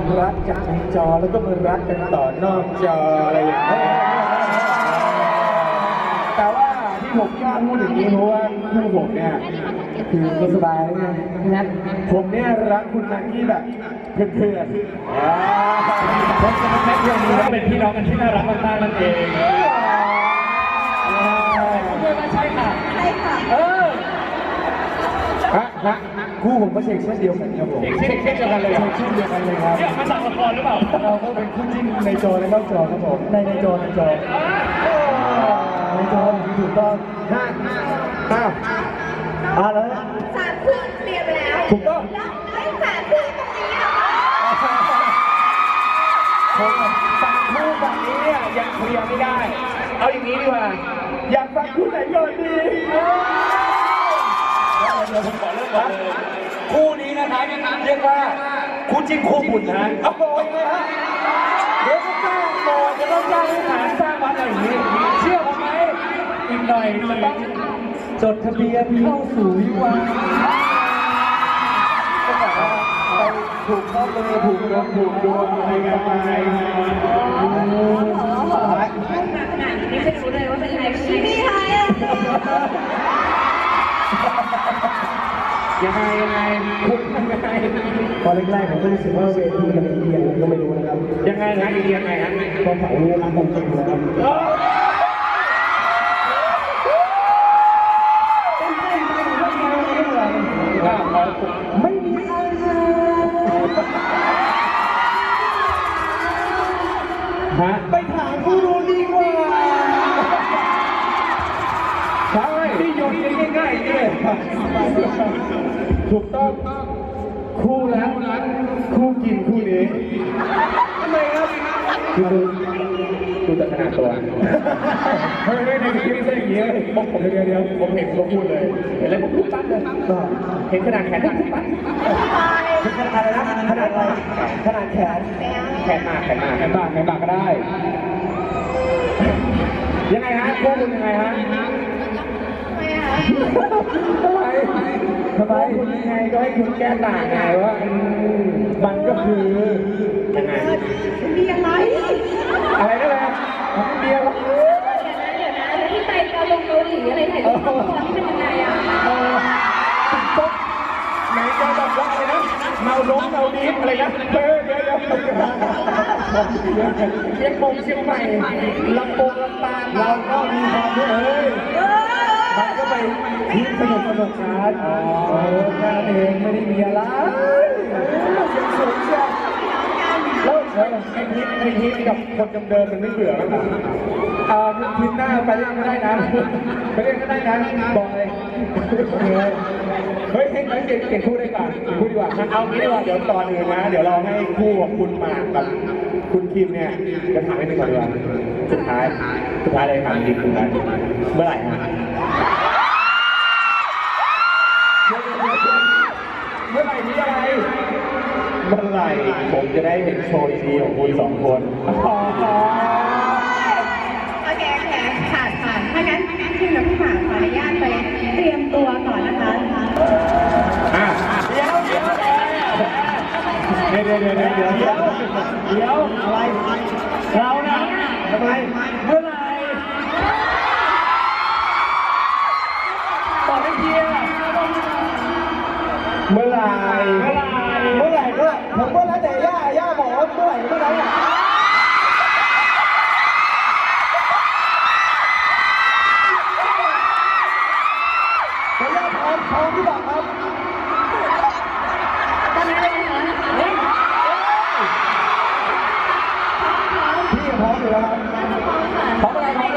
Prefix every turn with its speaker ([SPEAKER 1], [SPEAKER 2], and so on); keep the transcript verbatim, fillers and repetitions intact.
[SPEAKER 1] รักจากในจอแล้วก็มารักกันต่อนอกจออะไรอย่างเงี้ยแต่ว่าที่ผมกล้าพูดอย่างนี้เพราะว่าคู่ผมเนี่ยคือก็สบายแล้วไงงั้นผมเนี่ยรักคุณมากกี้แบบเพื่อนๆเพราะฉะนั้นแค่เพื่อนนี้ก็เป็นพี่น้องกันที่น่ารักมากๆนั่นเองเพื่อนๆใช่ค่ะใช่ค่ะเออฮะฮะคู่ผมก็เช็คเช่นเดียวกันครับผมเช็คเช่นเดียวกันเลยเช็คเช่นเดียวกันเลยครับเนี่ยมาจากละครหรือเปล่าเราก็เป็นคู่จิ้นในจอและนอกจอครับผมในในจอในจอในจอถูกต้องห้าอ้าวอ่าแล้ว
[SPEAKER 2] สามคู่เตรียมแล้ว
[SPEAKER 1] ถูกต้อง
[SPEAKER 2] แล้วไอ้สามคู่ตรงนี้อ่ะ
[SPEAKER 1] ผมสามคู่แบบนี้เนี่ยยังเคลียร์ไม่ได้เอาอย่างนี้ดีกว่าอยากฟังคู่ไหนก่อนดีเดี๋ยวผมขอเริ่มก่อนเลยคู่นี้นะครับเรียกว่าคู่จิ้นคู่บุญนะโอ้โหเลยฮะเดี๋ยวก็สร้างโบสถ์จะต้องสร้างวิหารสร้างวัดอะไรอย่างนี้เชื่อผมไหมอีกหน่อยจะต้องจดทะเบียนเข้าสู่วิวาก็แบบว่าไปผูกข้อมือผูกดวงผูกดวงอะไรกันไป
[SPEAKER 2] นี่ไม่รู้เลยว่าเป็นใครไม่ใครอ่ะ
[SPEAKER 1] ยังไงยังไงคุณยังไงตอนแรกๆผมก็รู้สึกว่าเวทีมันเอียงก็ไม่รู้นะครับยังไงนะเอียงไงฮะตอนเผาเนี่ยรักผมจริงนะครับไม่มีอะไรฮะไปถามผู้รู้ดีกว่าใช่ที่โยนง่ายๆนี่ถูกต้องคู่รักคู่กินคู่นี้ทำไมครับคือดูแต่ขนาดตัวเฮ้ยในคลิปไม่ใช่อย่างนี้ผมผมเดียวเดียวผมเห็นเขาพูดเลยเห็นแล้วผมพูดปั๊บเลยเห็นขนาดแขนปุ๊บปั๊บขนาดอะไรนะขนาดอะไรขนาดแขนแขนมาแขนมาแขนมาแขนมาก็ได้ยังไงฮะคู่คุณยังไงฮะทำไมทำไมคุณยังไงก็ให้คุณแก้ต่างไงว่ามันก็คือยังไง
[SPEAKER 2] มีอะไร
[SPEAKER 1] อะไรนั่นแหละมีอะไร
[SPEAKER 2] เดี๋ยวนะเดี๋ยวนะแล้วที่ไปเกาลงเกาหลีอะไรถ่ายรูปคู่นี่เป็นยังไงอ่ะ
[SPEAKER 1] ตุ๊กไหนจะแบบว่าอะไรนะเมาล้มเมาดีฟอะไรนะเฮ้ยเดี๋ยวเดี๋ยวเชียงคงเชียงใหม่ลำโพงลำปางเราก็มีความด้วยเฮ้ยมันก็ไปที่สนุกสนุกกันอ๋องานเองไม่ได้มีอะไรยังสวยเชียวแล้วไอ้ทิศไอ้ทิศกับคนเดิมๆมันไม่เบื่อมั้งอ่าทิศหน้าไปเล่นก็ได้นะไปเล่นก็ได้นะบอกเลยเฮ้ยให้ไหมเก่งเก่งคู่ได้ก่อนคู่ดีกว่าเอางี้ดีกว่าเดี๋ยวตอนอื่นนะเดี๋ยวเราให้คู่ของคุณหมากกับคุณคิมเนี่ยจะถามให้หนึ่งก่อนดีกว่าสุดท้ายสุดท้ายเลยถามจริงคุณกันเมื่อไหร่ฮะเมื่อไหร่นี้อะไรเมื่อไหร่ผมจะได้เห็นโชว์ดีๆของคุณสองคน
[SPEAKER 2] โอเคโอเคผ่านผ่านถ้างั้นทีมกับพี่หมากขออนุญาตไปเตรียมตัวก่อนนะคะ
[SPEAKER 1] อ่ะเดี๋ยวเดี๋ยวเดี๋ยวเดี๋ยวเดี๋ยวเดี๋ยวเดี๋ยวเดี๋ยวอะไรเราเนี่ยทำไมเมื่อไหร่บอกให้เพียเมื่อไหร่เมื่อไหร่เมื่อไหร่ก็ผมก็แล้วแต่ย่าย่าบอกว่าเมื่อไหร่เมื่อไหร่อ่ะแต่ย่าพร้อมพร้อมที่บอกครับ
[SPEAKER 2] ตอนนี้เลยเหรอ
[SPEAKER 1] พี่พร้อมอยู่แล้วครับพร้อมอะไรครับ